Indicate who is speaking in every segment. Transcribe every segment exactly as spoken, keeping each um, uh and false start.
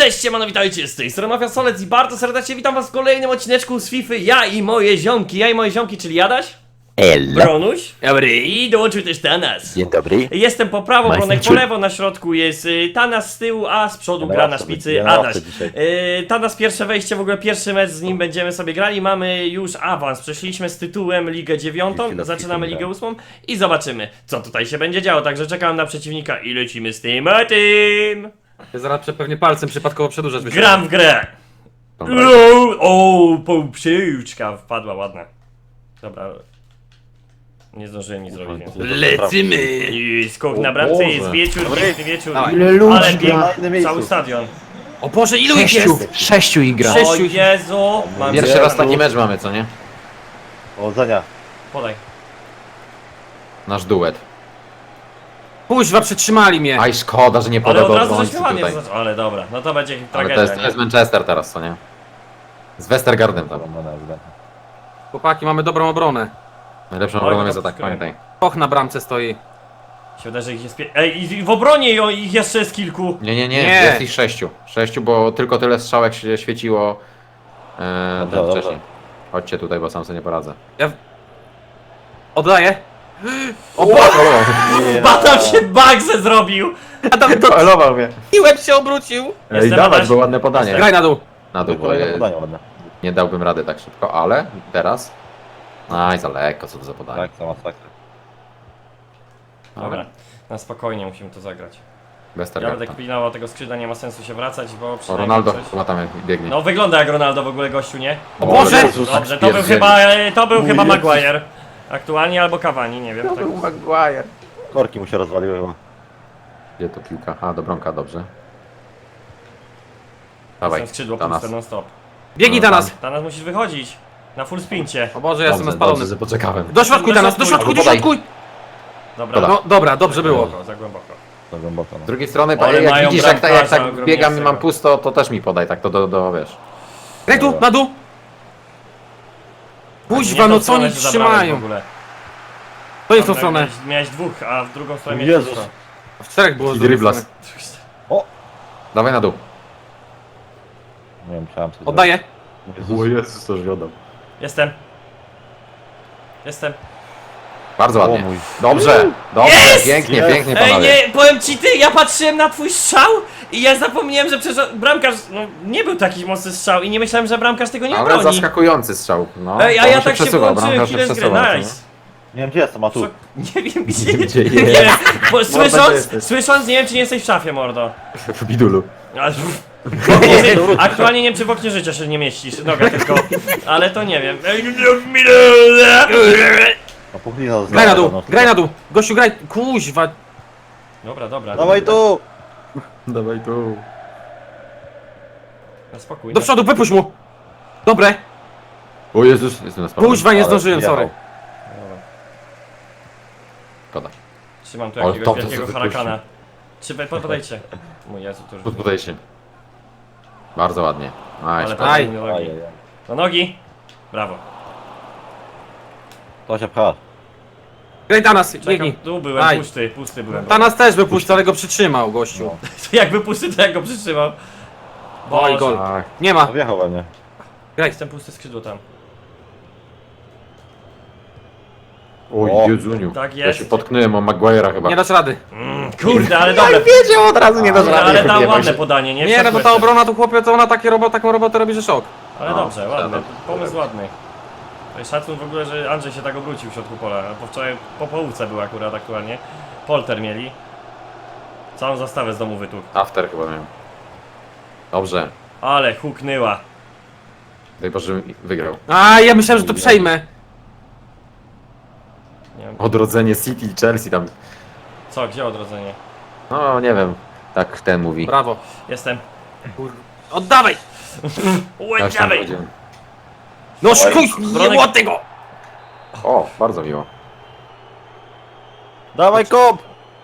Speaker 1: Cześć, siemano, witajcie, z tej strony Mafia Solec i bardzo serdecznie witam was w kolejnym odcineczku z FIFA. Ja i moje ziomki, ja i moje ziomki, czyli Jadaś,
Speaker 2: Ella.
Speaker 1: Bronuś i dołączył też Tanas.
Speaker 2: Dzień dobry.
Speaker 1: Jestem po prawo,
Speaker 2: Majster
Speaker 1: Bronek po
Speaker 2: czuj.
Speaker 1: lewo, na środku jest y, Tanas z tyłu, a z przodu
Speaker 2: Ja
Speaker 1: gra
Speaker 2: mam
Speaker 1: na
Speaker 2: sobie-
Speaker 1: szpicy
Speaker 2: ja mam
Speaker 1: Adaś.
Speaker 2: sobie dzisiaj.
Speaker 1: Y, Tanas pierwsze wejście, w ogóle pierwszy mecz z nim będziemy sobie grali, mamy już awans, przeszliśmy z tytułem Ligę dziewiątą,
Speaker 2: Chwilę,
Speaker 1: zaczynamy
Speaker 2: chwilę,
Speaker 1: Ligę ósmą i zobaczymy, co tutaj się będzie działo, także czekam na przeciwnika i lecimy z tym a tym.
Speaker 3: Ja zaraz prze- pewnie palcem przypadkowo przedłużasz. wiesz.
Speaker 1: Gram w grę!
Speaker 2: Dobra.
Speaker 1: O, o, półpsiłczka wpadła, ładna. Dobra. Nie zdążyłem nic zrobić, więc...
Speaker 3: Lecimy!
Speaker 1: I skok na bramce,
Speaker 2: Boże.
Speaker 1: jest wieczór,
Speaker 2: Dobry.
Speaker 1: piękny wieczór.
Speaker 3: Dawaj.
Speaker 2: Ile ludzi
Speaker 1: Ale
Speaker 2: gra
Speaker 1: piękny,
Speaker 2: na innym miejscu.
Speaker 1: cały stadion.
Speaker 3: O Boże, ilu ich
Speaker 2: Sześciu,
Speaker 3: jest?
Speaker 2: sześciu ich gra.
Speaker 3: Sześć-
Speaker 1: O Jezu! Mam
Speaker 2: Pierwszy
Speaker 1: cię.
Speaker 2: raz taki mecz mamy, co nie?
Speaker 4: Powodzenia.
Speaker 1: Podaj.
Speaker 2: Nasz duet.
Speaker 3: Kuźwa, przytrzymali mnie.
Speaker 2: Aj, szkoda, że nie
Speaker 1: Ale
Speaker 2: podał
Speaker 1: od
Speaker 2: do
Speaker 1: razu
Speaker 2: obrońcy
Speaker 1: zaśpiewanie
Speaker 2: tutaj.
Speaker 1: zaczął. Ale dobra, no to będzie
Speaker 2: Ale
Speaker 1: tragedia,
Speaker 2: to jest, to
Speaker 1: nie?
Speaker 2: jest Manchester teraz, co nie? Z Westergaardem tam.
Speaker 3: Chłopaki, mamy dobrą obronę.
Speaker 2: Najlepszą
Speaker 1: Oj,
Speaker 2: obroną
Speaker 1: no
Speaker 2: jest
Speaker 1: to
Speaker 2: atak,
Speaker 1: skoro-
Speaker 2: pamiętaj.
Speaker 3: Och, na bramce stoi.
Speaker 1: Się wydaje, że ich jest pie... Ej, i w obronie jo- ich jeszcze jest kilku.
Speaker 2: Nie, nie, nie,
Speaker 3: Nie.
Speaker 2: jest ich sześciu. Sześciu, bo tylko tyle strzałek się świeciło e,
Speaker 4: Dobra,
Speaker 2: ten
Speaker 4: dobra.
Speaker 2: wcześniej. Chodźcie tutaj, bo sam sobie nie poradzę.
Speaker 3: Ja... Oddaję.
Speaker 2: O, Boże!
Speaker 1: Batam się Bagze zrobił!
Speaker 3: Adam to
Speaker 2: Elował mnie.
Speaker 3: i łeb się obrócił.
Speaker 2: Ej,
Speaker 1: Jestem
Speaker 2: dawać,
Speaker 1: Adaś.
Speaker 2: było ładne podanie.
Speaker 3: Graj na dół.
Speaker 2: Na dół, bo
Speaker 4: Kolejne
Speaker 2: je,
Speaker 4: podanie ładne.
Speaker 2: nie dałbym rady tak szybko, ale teraz... Aj, za lekko, co to za podanie.
Speaker 4: Tak, sama sakra.
Speaker 1: Dobra, na spokojnie musimy to zagrać. Ja
Speaker 2: Westergaard.
Speaker 1: będę kpinał, tego skrzydła nie ma sensu się wracać, bo
Speaker 2: O,
Speaker 1: przynajmniej
Speaker 2: Ronaldo
Speaker 1: coś...
Speaker 2: chyba tam biegnie.
Speaker 1: No wygląda jak Ronaldo w ogóle gościu, nie?
Speaker 3: O Boże!
Speaker 2: Jezus, tak
Speaker 1: Dobrze, to był
Speaker 2: spierdzieli.
Speaker 1: chyba, e, to był
Speaker 2: Mój
Speaker 1: chyba
Speaker 2: Jezus.
Speaker 1: Maguire. Aktualnie albo Cavani, nie wiem. Tak.
Speaker 2: Maguire.
Speaker 4: Korki mu się rozwaliły chyba.
Speaker 2: Gdzie to piłka? A, do bramka, dobrze. Dawaj,
Speaker 1: Jestem skrzydło
Speaker 2: do nas.
Speaker 1: puste non stop.
Speaker 3: Biegnij
Speaker 2: No,
Speaker 3: na nas.
Speaker 1: Teraz musisz wychodzić. Na full sprincie.
Speaker 3: O Boże, ja jestem
Speaker 2: Dobrze,
Speaker 3: spalony.
Speaker 2: dobrze, że poczekałem.
Speaker 3: Do środku
Speaker 1: Do
Speaker 3: na nas, do
Speaker 1: środku.
Speaker 3: środku, do
Speaker 2: Podaj.
Speaker 3: środku.
Speaker 1: Dobra.
Speaker 3: No dobra, dobrze
Speaker 1: Za
Speaker 3: było.
Speaker 1: głęboko, za głęboko.
Speaker 4: To głęboko.
Speaker 2: Z
Speaker 4: No.
Speaker 2: drugiej strony,
Speaker 1: Ale
Speaker 2: jak
Speaker 1: mają
Speaker 2: widzisz, jak, ta, jak
Speaker 1: bramkarza
Speaker 2: tak
Speaker 1: ogromnie
Speaker 2: biegam i mam
Speaker 1: tego.
Speaker 2: pusto, to też mi podaj, tak to do, do wiesz.
Speaker 3: Graj tu, na dół. Kuźwa,
Speaker 1: Nie
Speaker 3: no
Speaker 1: tą
Speaker 3: co
Speaker 1: stronę
Speaker 3: oni
Speaker 1: się zabrałeś w
Speaker 3: trzymają?
Speaker 1: ogóle.
Speaker 3: To jest tą
Speaker 1: Dobra,
Speaker 3: stronę.
Speaker 1: Miałeś, miałeś dwóch, a w drugą stronę miałeś
Speaker 4: Jezus.
Speaker 1: pusto.
Speaker 3: W czterech było z drugiej
Speaker 2: Driblas.
Speaker 3: strony.
Speaker 2: Dawaj na dół.
Speaker 4: Nie wiem, musiałem coś
Speaker 3: Oddaję.
Speaker 4: zrobić.
Speaker 2: Jezus, to już wiodał.
Speaker 1: Jestem. Jestem.
Speaker 2: Bardzo ładnie.
Speaker 4: O mój.
Speaker 2: Dobrze, dobrze,
Speaker 1: Jest!
Speaker 2: pięknie,
Speaker 4: Jest!
Speaker 2: pięknie
Speaker 1: Ej,
Speaker 2: panowie.
Speaker 1: nie, powiem ci ty, ja patrzyłem na twój strzał i ja zapomniałem, że przecież bramkarz, no nie był taki mocny strzał i nie myślałem, że bramkarz tego nie
Speaker 2: Ale
Speaker 1: obroni.
Speaker 2: zaskakujący strzał. No,
Speaker 1: Ej, a
Speaker 2: bo
Speaker 1: ja
Speaker 2: on
Speaker 1: tak się
Speaker 2: przesuwał,
Speaker 1: włączyłem
Speaker 2: bramkarz się
Speaker 1: chwilę z gry,
Speaker 2: przesuwał, co nie?
Speaker 1: nice.
Speaker 4: Nie wiem gdzie jestem, a tu.
Speaker 1: Co? Nie wiem gdzie,
Speaker 2: Gdzie
Speaker 1: nie
Speaker 2: jest?
Speaker 1: wiem, bo
Speaker 2: gdzie
Speaker 1: słysząc,
Speaker 2: jesteś?
Speaker 1: słysząc nie wiem czy nie jesteś w szafie, mordo.
Speaker 2: W bidulu.
Speaker 1: Ale- w oknie ży- Aktualnie nie wiem czy w oknie życia się nie mieścisz, noga tylko, ale to nie wiem.
Speaker 4: No puchlina
Speaker 3: Graj na dół, graj na dół. Gościu, graj. Kuźwa.
Speaker 1: Dobra, dobra.
Speaker 4: Dawaj
Speaker 1: dobra.
Speaker 4: tu!
Speaker 2: Dawaj tu.
Speaker 1: Na spokój.
Speaker 3: Do
Speaker 1: na-
Speaker 3: przodu, wypuść mu. Dobre.
Speaker 2: O Jezus, jestem na spadku.
Speaker 3: Kuźwa, nie
Speaker 4: Ale
Speaker 3: zdążyłem,
Speaker 4: wjechał.
Speaker 3: sorry.
Speaker 1: Dobra.
Speaker 2: Szkoda.
Speaker 1: Trzymam tu
Speaker 2: O,
Speaker 1: jakiegoś
Speaker 2: to- to
Speaker 1: wielkiego
Speaker 2: sobie
Speaker 1: harakana. Czy po- podejdźcie. Mój Jezu, to już...
Speaker 2: Podaj się. Bardzo ładnie.
Speaker 1: Ale
Speaker 2: Nice.
Speaker 1: podaj
Speaker 3: Aj.
Speaker 1: mi do nogi.
Speaker 4: Ajajaj.
Speaker 1: Do nogi! Brawo.
Speaker 4: To się pcha.
Speaker 3: Graj Tanas,
Speaker 1: Czekam,
Speaker 3: biegnij.
Speaker 1: tu byłem,
Speaker 3: Aj.
Speaker 1: pusty, pusty byłem.
Speaker 3: Tanas też wypuść, ale go przytrzymał, gościu.
Speaker 4: No.
Speaker 1: Jakby pusty, to jak go przytrzymał.
Speaker 3: Oj,
Speaker 1: Boże.
Speaker 3: gol.
Speaker 2: Tak.
Speaker 3: Nie ma.
Speaker 4: No wjechał we mnie.
Speaker 3: Graj.
Speaker 1: Jestem pusty skrzydło tam.
Speaker 2: Oj,
Speaker 4: O.
Speaker 2: Jezuniu.
Speaker 1: Tak
Speaker 2: Ja
Speaker 1: jest.
Speaker 2: się potknąłem o Maguire'a chyba.
Speaker 3: Nie dasz rady.
Speaker 1: Mm, kurde, ale dobre.
Speaker 2: wiedział od razu, nie dasz
Speaker 1: Ale,
Speaker 2: rady.
Speaker 1: ale tam
Speaker 2: Nie bój
Speaker 1: ładne
Speaker 2: się.
Speaker 1: podanie, nie?
Speaker 3: Nie, no bo ta
Speaker 1: Wszedłeś.
Speaker 3: obrona tu chłopie, to ona takie robot, taką robotę robi, że szok.
Speaker 1: Ale
Speaker 2: No,
Speaker 1: dobrze, ładny.
Speaker 2: dobra.
Speaker 1: Pomysł ładny. To jest szacun w ogóle, że Andrzej się tak obrócił w środku pola. Bo wczoraj po połówce był akurat aktualnie. Polter mieli. Całą zastawę z domu wytłukł.
Speaker 2: After chyba miałem. Dobrze.
Speaker 1: Ale huknęła.
Speaker 2: Daj Boże, żebym wygrał.
Speaker 3: A, ja myślałem, że to przejmę.
Speaker 1: Nie wiem.
Speaker 2: Odrodzenie City i Chelsea tam.
Speaker 1: Co, gdzie odrodzenie?
Speaker 2: No, nie wiem. Tak ten mówi.
Speaker 3: Brawo.
Speaker 1: Jestem.
Speaker 3: Kur... Oddawaj!
Speaker 2: Też tam
Speaker 1: Łędziawej!
Speaker 2: powiedziałem.
Speaker 3: No szkuj, nie
Speaker 1: Bronek-
Speaker 3: było tego!
Speaker 2: O, bardzo miło.
Speaker 4: Dawaj kop!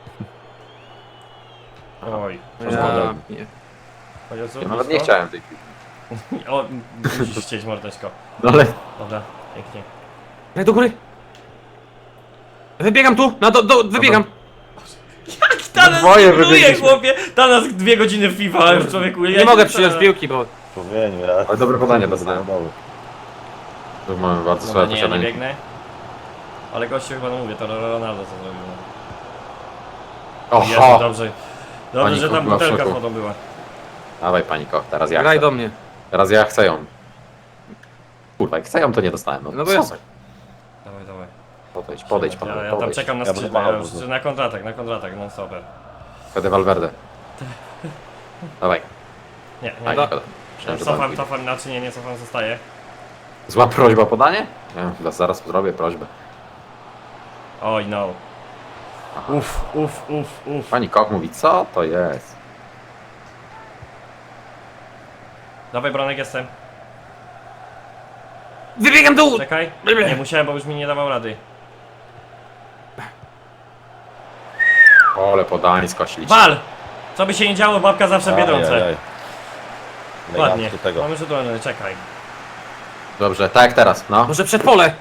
Speaker 1: Oj,
Speaker 3: Ja,
Speaker 1: szkoda.
Speaker 3: nie.
Speaker 1: O Jezu,
Speaker 2: Ja nawet nie
Speaker 1: blisko?
Speaker 2: chciałem tej piłki.
Speaker 1: O, musisz chcieć mordeczko.
Speaker 2: No ale...
Speaker 1: Dobra, pięknie.
Speaker 3: Graj do góry. Wybiegam tu, na do, do, wybiegam.
Speaker 1: Jak Tanas
Speaker 2: Dwoje
Speaker 1: simuluje,
Speaker 2: wybiegliśmy.
Speaker 1: chłopie! Tanas dwie godziny w FIFA, a już człowieku...
Speaker 3: Nie mogę przyjąć piłki, bo...
Speaker 4: Człowieniu, ja...
Speaker 2: Ale dobre podanie
Speaker 4: Dobra,
Speaker 2: dostałem.
Speaker 4: dobra.
Speaker 2: Tu mamy bardzo
Speaker 1: Dobra,
Speaker 2: słabe
Speaker 1: nie, ja nie
Speaker 2: posiadanie.
Speaker 1: biegnę. Ale gościu chyba, no mówię, to Ronaldo co zrobił. Jezu,
Speaker 2: Oho!
Speaker 1: dobrze. Dobrze,
Speaker 2: Pani
Speaker 1: że tam
Speaker 2: była w
Speaker 1: butelka z
Speaker 2: szoku.
Speaker 1: wodą była.
Speaker 2: Dawaj paniko, teraz ja
Speaker 3: Graj
Speaker 2: chcę.
Speaker 3: do mnie.
Speaker 2: Teraz ja chcę ją. Kurwa, jak chcę ją, to nie dostałem. No,
Speaker 3: No to
Speaker 2: co
Speaker 3: jest.
Speaker 2: za-
Speaker 1: Dawaj, dawaj.
Speaker 2: Podejdź, podejdź,
Speaker 1: ja,
Speaker 2: panowie,
Speaker 1: ja tam
Speaker 2: podejdź.
Speaker 1: czekam na
Speaker 4: Ja
Speaker 1: skrzydle,
Speaker 4: będę
Speaker 1: ja
Speaker 4: machał,
Speaker 1: już na kontratak, na kontratak, non stopper.
Speaker 2: Fede Valverde. Dawaj.
Speaker 1: Nie, nie.
Speaker 2: Aj,
Speaker 3: Da-
Speaker 2: szkoda. Myślałem, że
Speaker 1: Cofam,
Speaker 2: tam
Speaker 1: cofam, znaczy nie, nie cofam, zostaje.
Speaker 2: Zła prośba o podanie? Nie, chyba zaraz zrobię prośbę.
Speaker 1: Oj, no.
Speaker 2: Aha.
Speaker 1: Uff, uff, uff, uff.
Speaker 2: Pani Koch mówi, co to jest?
Speaker 1: Dawaj, Bronek, jestem.
Speaker 3: Wybiegam dół!
Speaker 1: Czekaj.
Speaker 3: Dobra.
Speaker 1: Nie musiałem, bo już mi nie dawał rady.
Speaker 2: Ole podanie skosilić.
Speaker 1: Wal! Co by się nie działo, babka zawsze biedronce.
Speaker 4: Ajajaj.
Speaker 1: Ładnie.
Speaker 4: Elegancko tego.
Speaker 1: Mamy rzut wolny, czekaj.
Speaker 2: Dobrze, tak jak teraz, no.
Speaker 3: Może przed pole!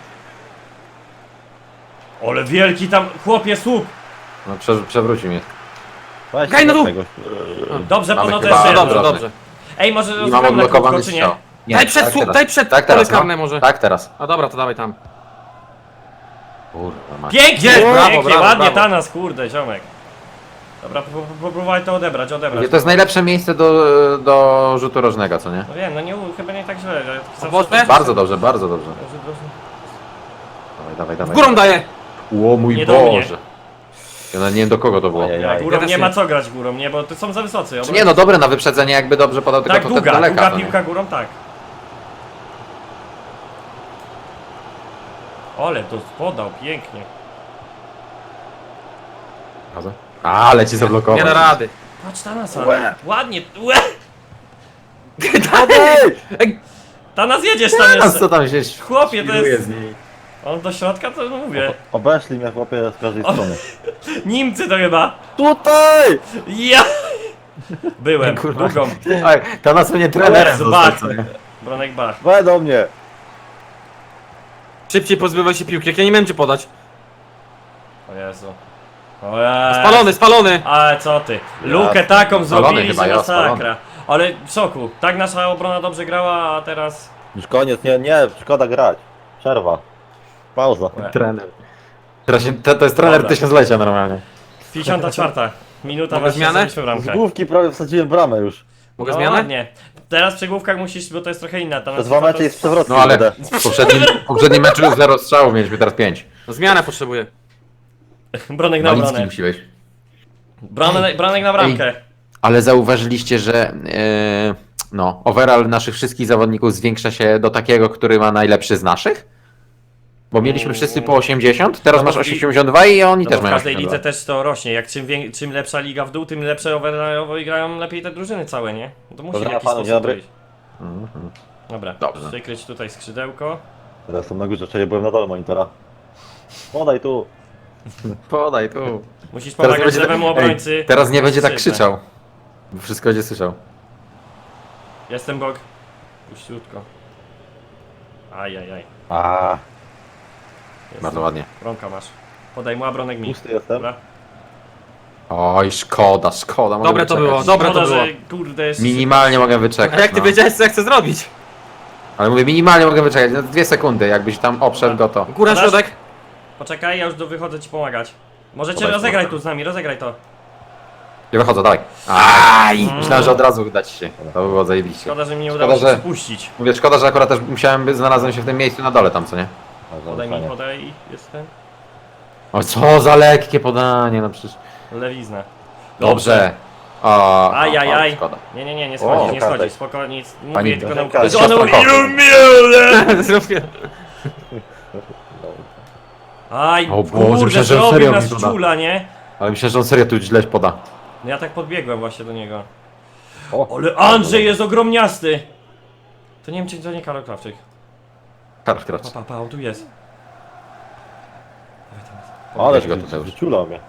Speaker 1: Ale wielki tam, chłopie, słup!
Speaker 2: No prze, przewrócił mnie.
Speaker 4: Weź
Speaker 3: Graj na dół!
Speaker 4: tego.
Speaker 1: Dobrze,
Speaker 2: Mamy
Speaker 1: pono to
Speaker 2: chyba-
Speaker 1: jeszcze
Speaker 3: No
Speaker 1: jedno.
Speaker 3: dobrze,
Speaker 2: Dobrze.
Speaker 3: dobrze.
Speaker 1: Ej, może
Speaker 2: I mam
Speaker 1: rozgramy na
Speaker 2: odblokowany
Speaker 1: krótko, czy nie?
Speaker 2: strzał. Nie,
Speaker 3: Daj przed
Speaker 2: tak
Speaker 3: słup,
Speaker 2: teraz.
Speaker 3: daj przed
Speaker 2: Tak
Speaker 3: pole
Speaker 2: teraz,
Speaker 3: karne
Speaker 2: no.
Speaker 3: może.
Speaker 2: Tak teraz.
Speaker 3: A dobra, to dawaj tam.
Speaker 2: Kurwa, masz.
Speaker 1: Pięknie,
Speaker 3: Jest, brawo,
Speaker 1: pięknie,
Speaker 3: brawo,
Speaker 1: ładnie,
Speaker 3: brawo.
Speaker 1: Tanas, kurde, ziomek. Dobra, po- po- popróbuj to odebrać, odebrać.
Speaker 2: To jest najlepsze miejsce do, do rzutu rożnego, co nie?
Speaker 1: No wiem, no nie, chyba nie tak źle. że zawsze-
Speaker 3: Boże?
Speaker 2: Bardzo dobrze, bardzo dobrze.
Speaker 1: Rzut rożny.
Speaker 2: Dawaj, dawaj, dawaj.
Speaker 3: Górą daję!
Speaker 2: O mój
Speaker 1: Nie do mnie.
Speaker 2: Boże. Ja nawet nie wiem do kogo to było.
Speaker 4: Ojej.
Speaker 1: Nie, górą
Speaker 3: Ja też
Speaker 1: nie
Speaker 3: nie.
Speaker 1: ma co grać górą, nie, bo to są za wysocy.
Speaker 2: Czy nie, no dobre na wyprzedzenie, jakby dobrze podał, tylko
Speaker 1: Tak,
Speaker 2: to wtedy
Speaker 1: długa,
Speaker 2: daleka.
Speaker 1: długa
Speaker 2: to nie?
Speaker 1: piłka górą, tak. Ale to podał, pięknie.
Speaker 2: Prawda? A, leci zablokował.
Speaker 3: Nie da rady.
Speaker 1: Patrz Tanasa,
Speaker 4: Łe.
Speaker 1: ładnie, łe!
Speaker 3: Ej,
Speaker 1: Tanas jedziesz tam
Speaker 2: A
Speaker 1: jeszcze.
Speaker 2: co tam się
Speaker 1: Chłopie, to
Speaker 2: świruje
Speaker 1: jest...
Speaker 2: z niej?
Speaker 1: On do środka, to no mówię.
Speaker 4: Obeszli mnie chłopie z każdej
Speaker 1: O.
Speaker 4: strony.
Speaker 1: Niemcy to chyba.
Speaker 4: Tutaj!
Speaker 1: Ja! Byłem,
Speaker 2: Kurwa.
Speaker 1: długą.
Speaker 2: Oj, to nas mnie trenerem
Speaker 1: Jezu,
Speaker 2: został,
Speaker 1: Bach.
Speaker 2: co nie?
Speaker 1: Bronek Bach.
Speaker 4: We do mnie!
Speaker 3: szybciej pozbywaj się piłki, jak ja nie miałem cię podać.
Speaker 1: O Jezu. O Jezu.
Speaker 3: Spalony, spalony!
Speaker 1: Ale co ty? Lukę
Speaker 4: Ja-
Speaker 1: taką
Speaker 2: Spalony
Speaker 1: zrobili,
Speaker 2: chyba,
Speaker 1: że
Speaker 2: ja, spalony.
Speaker 1: masakra. Ale w szoku. Tak nasza obrona dobrze grała, a teraz...
Speaker 4: Już koniec, nie, nie, szkoda grać. Przerwa. Pauza.
Speaker 2: Trener. Teraz się, to, to jest trener
Speaker 1: Dobra.
Speaker 2: tysiąclecia normalnie.
Speaker 1: pięćdziesiąta czwarta minuta
Speaker 3: Mogę
Speaker 1: właśnie
Speaker 3: zmianę?
Speaker 1: zrobiliśmy
Speaker 4: Z
Speaker 1: bramkę.
Speaker 4: główki prawie wsadziłem bramę już.
Speaker 3: Mogę
Speaker 1: No
Speaker 3: zmianę?
Speaker 1: ładnie. Teraz przy główkach musisz, bo to jest trochę inna. Ta
Speaker 4: Przez dwa mecze jest przewrotny.
Speaker 2: No ale
Speaker 4: będę.
Speaker 2: w poprzednim, w poprzednim meczu już zero strzałów, mieliśmy teraz pięć.
Speaker 3: No zmianę potrzebuję.
Speaker 1: Bronek na
Speaker 2: Malicki
Speaker 1: obronę.
Speaker 2: musi wejść.
Speaker 1: Bronek, bronek na bramkę.
Speaker 2: Ale zauważyliście, że e, no, overall naszych wszystkich zawodników zwiększa się do takiego, który ma najlepszy z naszych? Bo mieliśmy wszyscy po osiemdziesiąt, teraz
Speaker 1: No,
Speaker 2: masz
Speaker 1: i-
Speaker 2: osiemdziesiąt dwa i oni
Speaker 1: No
Speaker 2: też
Speaker 1: bo w
Speaker 2: mają
Speaker 1: każdej
Speaker 2: osiemdziesiąt dwa.
Speaker 1: lidze też to rośnie. Jak czym, wię- czym lepsza liga w dół, tym lepsze overallowo i grają lepiej te drużyny całe, nie? No to musi
Speaker 4: Dobra,
Speaker 1: w jakiś
Speaker 4: panu,
Speaker 1: sposób
Speaker 4: dzień dobry.
Speaker 1: wyjść. Dobra,
Speaker 2: Dobrze.
Speaker 1: przykryć tutaj skrzydełko.
Speaker 4: Teraz są na górze, czyli byłem na dole monitora. Podaj tu.
Speaker 2: Podaj tu.
Speaker 1: Musisz
Speaker 2: Teraz nie
Speaker 1: pomagać
Speaker 2: będzie,
Speaker 1: lewemu
Speaker 2: ej,
Speaker 1: obrońcy.
Speaker 2: teraz nie będzie tak
Speaker 1: Krzyczę.
Speaker 2: krzyczał. Bo wszystko będzie słyszał.
Speaker 1: Jestem bok. Puściutko. Ajajaj.
Speaker 4: A,
Speaker 1: Jest.
Speaker 2: Bardzo ładnie.
Speaker 1: Bronka masz. Podaj mu, a bronek mi.
Speaker 4: pusty jestem.
Speaker 1: Dobra.
Speaker 2: Oj, szkoda, szkoda. mogę
Speaker 3: Dobre to
Speaker 2: wyczekać.
Speaker 3: było, dobre to
Speaker 1: Szkoda,
Speaker 3: było.
Speaker 1: że kurde jest...
Speaker 2: Minimalnie mogę
Speaker 3: A
Speaker 2: wyczekać.
Speaker 3: jak ty
Speaker 2: no.
Speaker 3: wiedziałeś co ja chcę zrobić?
Speaker 2: Ale mówię, minimalnie mogę wyczekać. No, dwie sekundy, jakbyś tam obszedł go to.
Speaker 3: Góra,
Speaker 1: Podasz?
Speaker 3: środek.
Speaker 1: Poczekaj, ja już do wychodzę ci pomagać. Możecie
Speaker 2: Podaj
Speaker 1: rozegraj
Speaker 2: smoka.
Speaker 1: tu z nami, rozegraj to.
Speaker 2: Ja wychodzę, dawaj. Aj! Myślałem, że od razu dać się. To by było zajebiście.
Speaker 1: Szkoda, że mi nie
Speaker 2: Szkoda,
Speaker 1: udało się
Speaker 2: że-
Speaker 1: spuścić.
Speaker 2: Mówię, szkoda, że akurat też musiałem, by znalazłem się w tym miejscu na dole tam, co nie?
Speaker 1: Podaj mi, podaj, jestem.
Speaker 2: O, co za lekkie podanie, no przecież.
Speaker 1: Lewizna.
Speaker 2: Dobrze. O,
Speaker 1: Ajajaj.
Speaker 2: o, szkoda.
Speaker 1: Nie, nie, nie, nie
Speaker 4: O,
Speaker 1: schodzi, nie
Speaker 4: kartek.
Speaker 1: schodzi, spokojnie, nic. Mówię
Speaker 2: Pani-
Speaker 1: tylko na
Speaker 4: Kartek.
Speaker 1: że one
Speaker 2: Siostra
Speaker 1: mówią,
Speaker 2: Koch.
Speaker 1: "Jumiele".
Speaker 3: Zrobię.
Speaker 1: Aj,
Speaker 2: O Boże,
Speaker 1: kurde,
Speaker 2: myślałem, że
Speaker 1: zrobił
Speaker 2: serio
Speaker 1: nas
Speaker 2: mi poda.
Speaker 1: czula, nie?
Speaker 2: Ale myślę, że on serio tu źle poda.
Speaker 1: No ja tak podbiegłem właśnie do niego.
Speaker 4: O,
Speaker 1: Ale Andrzej jest ogromniasty! To nie wiem, czy to nie Karol Krawczyk.
Speaker 2: Karol
Speaker 1: Pa,
Speaker 2: Krawczyk.
Speaker 1: pa, pa, on tu jest. Dawaj teraz.
Speaker 4: ale
Speaker 2: Weź go tutaj już.
Speaker 4: wyciulał mnie.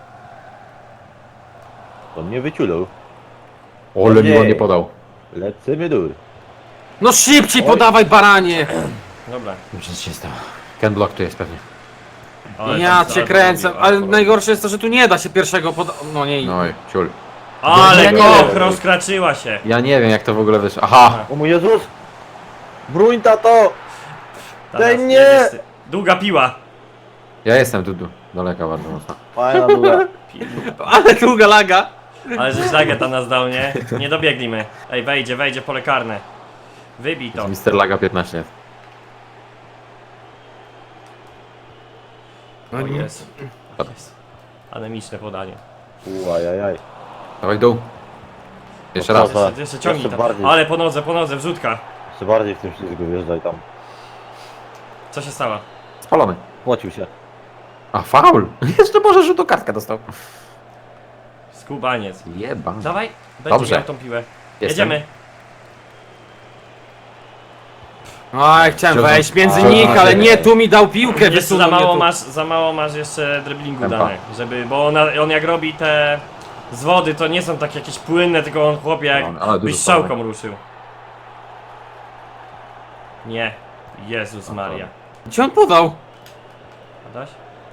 Speaker 4: On mnie wyciulał.
Speaker 2: Ole mi on
Speaker 4: Nie.
Speaker 2: nie podał.
Speaker 4: Lecimy dur.
Speaker 3: No szybciej
Speaker 4: Oj.
Speaker 3: podawaj baranie!
Speaker 1: Dobra.
Speaker 2: Nic się nie stało. Ken Block tu jest pewnie.
Speaker 1: Ale
Speaker 3: Ja
Speaker 1: tam-
Speaker 3: cię
Speaker 1: ale
Speaker 3: kręcę,
Speaker 1: porobił,
Speaker 3: ale
Speaker 1: porobił.
Speaker 3: najgorsze jest to, że tu nie da się pierwszego pod... No nie,
Speaker 2: No i ciul.
Speaker 1: Ale
Speaker 2: Ja nie
Speaker 1: koch,
Speaker 2: wiem.
Speaker 1: rozkraczyła się.
Speaker 2: Ja nie wiem jak to w ogóle wyszło. Aha!
Speaker 4: O mój Jezus! Bruń tato!
Speaker 1: Teraz
Speaker 4: Ej, nie!
Speaker 1: jedziesz ty. Długa piła.
Speaker 2: Ja jestem tu, tu daleka bardzo mocno.
Speaker 4: Fajna długa.
Speaker 3: ale długa laga.
Speaker 1: Ale że szlagę tam nas dał, nie? Nie dobiegli my. Ej, wejdzie, wejdzie w pole karne. Wybij to.
Speaker 2: mister Laga piętnaście lat.
Speaker 1: O Jezu. O Jezu. Anemiczne podanie.
Speaker 4: Uajajaj.
Speaker 2: Dawaj dół. Jeszcze raz.
Speaker 4: Dobra.
Speaker 1: Jeszcze, jeszcze ciągnij
Speaker 4: Jeszcze
Speaker 1: tam.
Speaker 4: bardziej.
Speaker 1: Ale po nodze, po nodze, wrzutka.
Speaker 4: Jeszcze bardziej w tym ślizgu wjeżdżaj tam.
Speaker 1: Co się stało?
Speaker 2: Spalony.
Speaker 4: Płocił się.
Speaker 2: A faul! Jeszcze może rzut o kartkę dostał.
Speaker 1: Skubaniec.
Speaker 2: Jeba.
Speaker 1: Dawaj, będzie
Speaker 2: Dobrze.
Speaker 1: miał tą piłę.
Speaker 2: Jestem.
Speaker 1: Jedziemy.
Speaker 3: Oj, chciałem
Speaker 2: Wziąłem-
Speaker 3: wejść między
Speaker 2: A,
Speaker 3: nich, ale
Speaker 2: nie.
Speaker 3: nie, tu mi dał piłkę,
Speaker 1: Jeszcze
Speaker 3: wysunął
Speaker 1: za
Speaker 3: mnie
Speaker 1: mało
Speaker 3: tu.
Speaker 1: masz, za mało masz jeszcze driblingu
Speaker 2: Tempa.
Speaker 1: dane, żeby, bo on, on jak robi te z wody, to nie są takie jakieś płynne, tylko on chłopie jak
Speaker 2: No, ale dużo
Speaker 1: byś strzałką ruszył. Nie. Jezus Maria.
Speaker 3: Gdzie on podał?
Speaker 1: Adaś?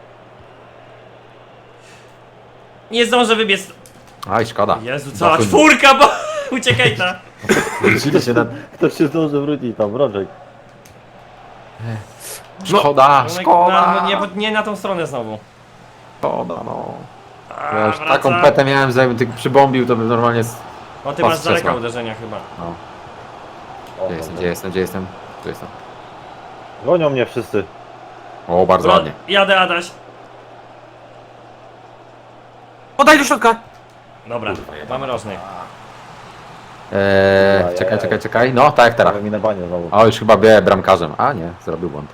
Speaker 1: Nie zdążę wybiec.
Speaker 2: Aj, szkoda.
Speaker 1: Jezu, cała
Speaker 2: Zachód-
Speaker 1: czwórka, bo uciekaj ta.
Speaker 2: Wrócili się na...
Speaker 4: Ktoś się zdąży wrócić tam, Brączek.
Speaker 2: Szkoda,
Speaker 1: No,
Speaker 2: szkoda.
Speaker 1: no, nie, nie na tą stronę znowu.
Speaker 2: Szkoda, no.
Speaker 1: A,
Speaker 2: Ja już
Speaker 1: wraca.
Speaker 2: taką petę miałem, że jakbym tylko przybombił, to bym normalnie... z-
Speaker 1: O, ty masz
Speaker 2: Pas
Speaker 1: z daleka
Speaker 2: krzesła.
Speaker 1: uderzenia chyba.
Speaker 2: No.
Speaker 4: O,
Speaker 2: Gdzie jestem,
Speaker 4: dobra.
Speaker 2: gdzie jestem, gdzie jestem? Tu jestem.
Speaker 4: Gonią mnie wszyscy.
Speaker 2: O, bardzo ładnie.
Speaker 1: Jadę, Adaś.
Speaker 3: Podaj do środka.
Speaker 1: Dobra, mamy rożny.
Speaker 2: Eee,
Speaker 4: Ajajaj.
Speaker 2: czekaj, czekaj, czekaj. No, tak jak teraz.
Speaker 4: Prawie mi na banie znowu.
Speaker 2: O, już chyba byłem bramkarzem. A nie, zrobił błąd.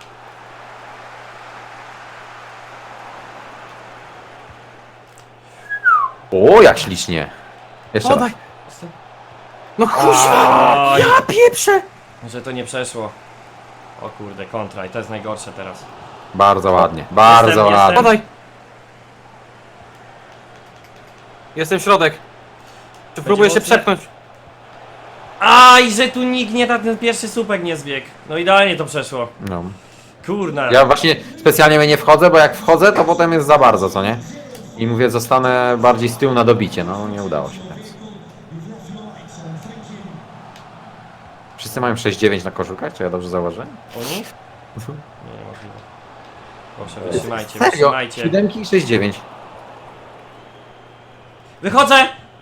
Speaker 2: O, jak ślicznie. Jeszcze raz.
Speaker 3: Podaj. No kurwa,
Speaker 1: Oj,
Speaker 3: ja pieprzę.
Speaker 1: że to nie przeszło. O kurde, kontra i to jest najgorsze teraz.
Speaker 2: Bardzo ładnie, bardzo
Speaker 1: Jestem,
Speaker 2: ładnie.
Speaker 1: jestem.
Speaker 3: Podaj. Jestem środek. Czy próbuję się
Speaker 1: mocne?
Speaker 3: przepchnąć?
Speaker 1: Aj, że tu nikt nie, ta- ten pierwszy słupek nie zbiegł. No idealnie to przeszło.
Speaker 2: No.
Speaker 1: Kurna.
Speaker 2: Ja właśnie specjalnie mnie nie wchodzę, bo jak wchodzę, to potem jest za bardzo, co nie? I mówię, zostanę bardziej z tyłu na dobicie. No, nie udało się. Więc. Wszyscy mają sześć dziewięć na koszulkach, czy ja dobrze zauważyłem?
Speaker 1: Oni? Nie, niemożliwe. Proszę, wytrzymajcie,
Speaker 2: Serio?
Speaker 1: wytrzymajcie.
Speaker 2: siódemki i sześć dziewięć.
Speaker 1: Wychodzę!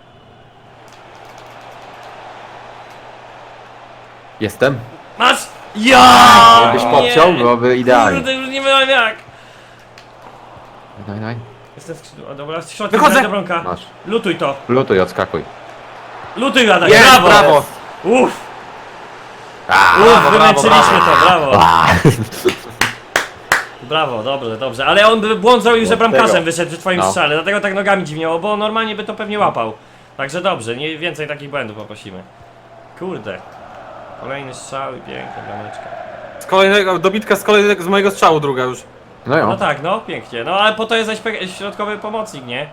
Speaker 2: Jestem.
Speaker 1: Masz! Ja!
Speaker 2: Jakbyś podciął, byłoby idealnie.
Speaker 1: Kurde, już nie wiem jak.
Speaker 2: Daj, daj.
Speaker 1: Jestem w skrzydle, o, dobra, w środku,
Speaker 3: Wychodzę!
Speaker 1: do bronka.
Speaker 2: Masz.
Speaker 1: Lutuj to.
Speaker 2: Lutuj, odskakuj.
Speaker 1: Lutuj, Adaś,
Speaker 3: Jest,
Speaker 1: brawo!
Speaker 3: brawo.
Speaker 1: Uff,
Speaker 2: A,
Speaker 1: uff, wymęczyliśmy to, brawo. Brawo, dobrze, dobrze. Ale on by błąd zrobił, że
Speaker 4: Od
Speaker 1: bramkarzem
Speaker 4: tego.
Speaker 1: wyszedł przy twoim
Speaker 2: No.
Speaker 1: strzale, dlatego tak nogami dziwniało, bo normalnie by to pewnie łapał. Także dobrze, nie więcej takich błędów poprosimy. Kurde. Kolejny strzał i piękna brameczka.
Speaker 3: Z kolejnego, dobitka z kolejnego, z mojego strzału druga już.
Speaker 2: No jo.
Speaker 1: No tak, no pięknie. No ale po to jest zaś środkowy pomocnik, nie?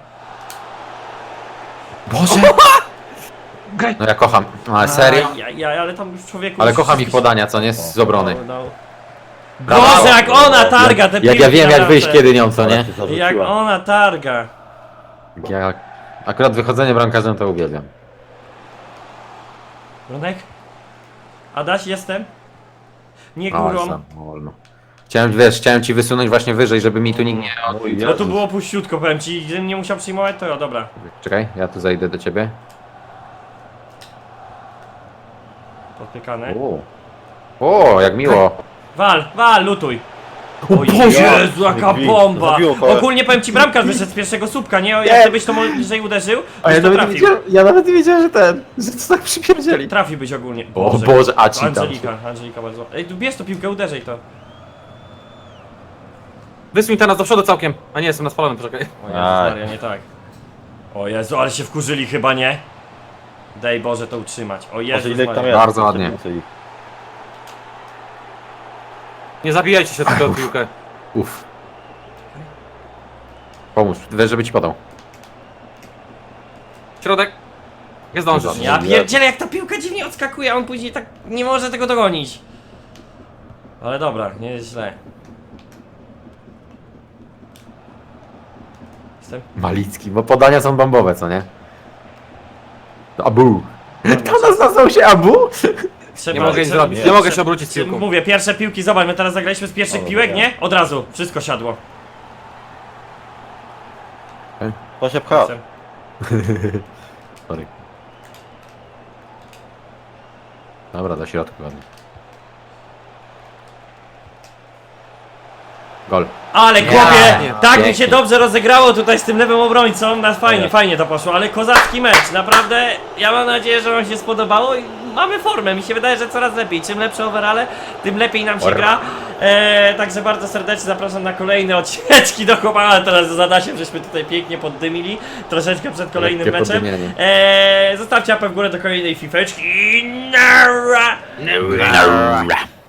Speaker 2: Boże! No ja kocham. No, ale serio?
Speaker 1: Ja, ja, ale tam już człowieku...
Speaker 2: Ale
Speaker 1: już
Speaker 2: kocham ich
Speaker 1: wszystko się-
Speaker 2: podania, co nie? Z obrony.
Speaker 1: No, no.
Speaker 2: Brawo.
Speaker 1: Boże, jak ona targa te
Speaker 2: Jak ja
Speaker 1: piłki
Speaker 2: wiem,
Speaker 1: na
Speaker 2: jak wyjść
Speaker 1: bramce.
Speaker 2: kiedy nią, co nie?
Speaker 4: Ale się zarzuciła.
Speaker 1: Jak ona targa.
Speaker 2: Ja akurat wychodzenie bramkarzem to uwielbiam.
Speaker 1: Bronek? Adaś, jestem? Nie
Speaker 2: No,
Speaker 1: górą.
Speaker 2: sam, wolno. Chciałem, wiesz, chciałem ci wysunąć właśnie wyżej, żeby mi tu nikt nie...
Speaker 4: O mój
Speaker 1: No tu
Speaker 4: Jezus.
Speaker 1: było puściutko, powiem ci, gdybym nie musiał przyjmować, to ja, dobra.
Speaker 2: Czekaj, ja tu zajdę do ciebie.
Speaker 1: Podpiekane.
Speaker 2: O, o jak miło.
Speaker 1: Wal, wal, lutuj. O
Speaker 2: Boże!
Speaker 1: Jezu, jaka
Speaker 4: Drzwi.
Speaker 1: bomba!
Speaker 4: Zabiło kogoś.
Speaker 1: Ogólnie powiem ci, bramkarz wyszedł z pierwszego słupka, nie? Jak
Speaker 4: Nie.
Speaker 1: gdybyś to bliżej uderzył,
Speaker 2: A ja
Speaker 1: byś to
Speaker 2: nawet, nie
Speaker 1: trafił.
Speaker 2: wiedziałem, ja nawet nie wiedziałem, że ten, że to tak przypierdzieli.
Speaker 1: Trafiłbyś ogólnie.
Speaker 2: O Boże, a ci tam.
Speaker 1: Angelika, Angelika bardzo. Ej, tu bierz to piłkę, uderzaj to.
Speaker 3: Wysuń teraz do przodu całkiem. A nie, jestem na spalonym, poczekaj.
Speaker 1: O Jezu
Speaker 4: Aj.
Speaker 1: Maria, nie tak. O Jezu, ale się wkurzyli chyba, nie? Daj Boże to utrzymać. O
Speaker 4: Może
Speaker 1: Jezu
Speaker 4: ile ich tam
Speaker 1: Maria.
Speaker 4: jest?
Speaker 2: Bardzo ładnie.
Speaker 4: Więcej ich.
Speaker 3: Nie zabijajcie się tylko o piłkę.
Speaker 2: Uff. Pomóż, weź, żeby ci podał.
Speaker 3: Środek. Nie zdążysz.
Speaker 1: Ja pierdzielę, jak ta piłka dziwnie odskakuje, a on później tak nie może tego dogonić. Ale dobra, nie jest źle. Jestem.
Speaker 2: Malicki, bo podania są bombowe, co nie? To Abu. To nazwał się Abu?
Speaker 1: Trzeba,
Speaker 3: Nie mogę nic
Speaker 1: trzeba-
Speaker 3: zrobić, nie
Speaker 1: trzeba-
Speaker 3: mogę się obrócić z piłką.
Speaker 1: Mówię, pierwsze piłki, zobacz, my teraz zagraliśmy z pierwszych
Speaker 4: O,
Speaker 1: piłek,
Speaker 4: dobra.
Speaker 1: nie? Od razu, wszystko siadło.
Speaker 4: To się pcha.
Speaker 2: Sorry. Dobra, do środka ładnie. Gol.
Speaker 1: Ale chłopie,
Speaker 3: nie.
Speaker 1: tak mi
Speaker 2: Pięknie.
Speaker 1: się dobrze rozegrało tutaj z tym lewym obrońcą, na fajnie,
Speaker 4: Tak.
Speaker 1: fajnie to poszło, ale kozacki mecz, naprawdę, ja mam nadzieję, że wam się spodobało i mamy formę, mi się wydaje, że coraz lepiej, czym lepsze overale, tym lepiej nam się
Speaker 2: Ora.
Speaker 1: gra, eee, także bardzo serdecznie zapraszam na kolejne odcineczki do chłopaka, teraz z Adasiem żeśmy tutaj pięknie poddymili, troszeczkę przed kolejnym
Speaker 2: Lekkie
Speaker 1: meczem,
Speaker 2: poddymienie.
Speaker 1: eee, zostawcie łapę w górę do kolejnej fifeczki i nara!
Speaker 2: Nara.